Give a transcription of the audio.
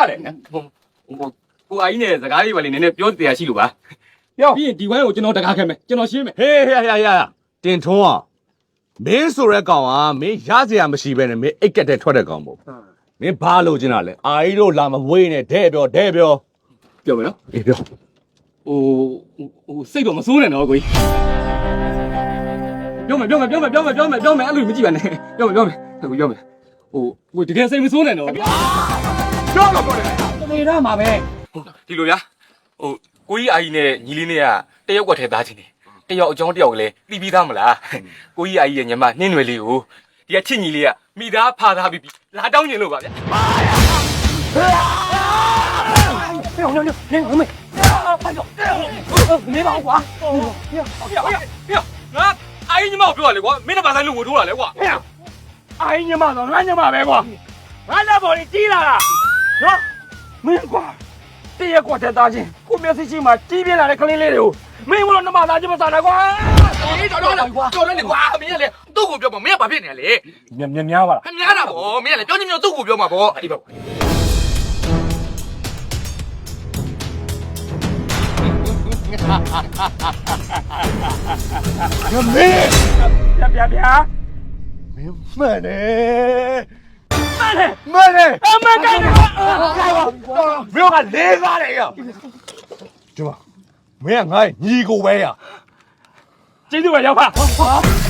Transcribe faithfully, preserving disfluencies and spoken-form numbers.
လေဟိုကိုအာကြီးနဲ့စကားလေးပါလေနည်းနည်းပြောတရားရှိလို့ပါပြောပြီးရင်ဒီဝိုင်းကိုကျွန်တော်တကားခဲ့မယ်ကျွန်တော်ရှင်းမယ်ဟေးဟေးဟေးဟေးတင်ထွန်းအောင်မင်းဆိုတဲ့ကောင်ကမင်းရစရာမရှိပဲနဲ့မင်းအိတ်ကက်တဲ့ထွက်တဲ့ကောင်ပေါ့မင်းဘာလို့ကျင်တာလဲအာကြီးတို့လာမဝေးနဲ့ဒဲပြောဒဲပြောပြောမယ်နော်အေးပြောဟိုဟိုစိတ်တော့မစိုးနဲ့နော်ကိုကြီးပြောမယ်ပြောမယ်ပြောမယ်ပြောမယ်ပြောမယ်ပြောမယ်အဲ့လိုမကြည့်ပါနဲ့ပြောမယ်ပြောမယ်ဟိုပြောမယ်ဟိုဟိုတကယ်စိတ်မစိုးနဲ့နော်ပြောတော့ပြောတယ်နေရမှာပဲဒီလိုဗျာဟိုကိုကြီးအာကြီးနဲ့ညီလေးနဲ့ကတယောက်ကထဲသားချင်းနေတယောက်အကြောင်းတယောက်ကလည်းတီးပြီးသားမလားကိုကြီးအာကြီးရဲ့ညီမနှင်းရွယ်လေးကိုဒီကချစ်ညီလေးကမိသားဖာသားပြီးလာတောင်းကျင်လို့ပါဗျာ没有没有没有没有没有，没把我刮。 不要不要不要！啊！阿姨你妈我不要了，我没得把咱路我拖了，我。 哎呀，阿姨你妈的，俺你妈别刮，俺那把你急了啦，啊！没刮，这些刮才大劲，后面是起码这边来的肯定来了，没我那妈大鸡巴啥来刮？ 你找着了，找着你刮，明天来都股票嘛，没人把骗你来， 喵喵喵吧， 还明天了不？明天来，叫你们都股票嘛不？哎不。 မင်း别别别， မင်းမှန်တယ်慢点， မှန်တယ်啊慢点，开吧， မင်းကလေးစားတယ်ရကျမမင်းကငါ့ညီကိုပဲရ记住我要怕。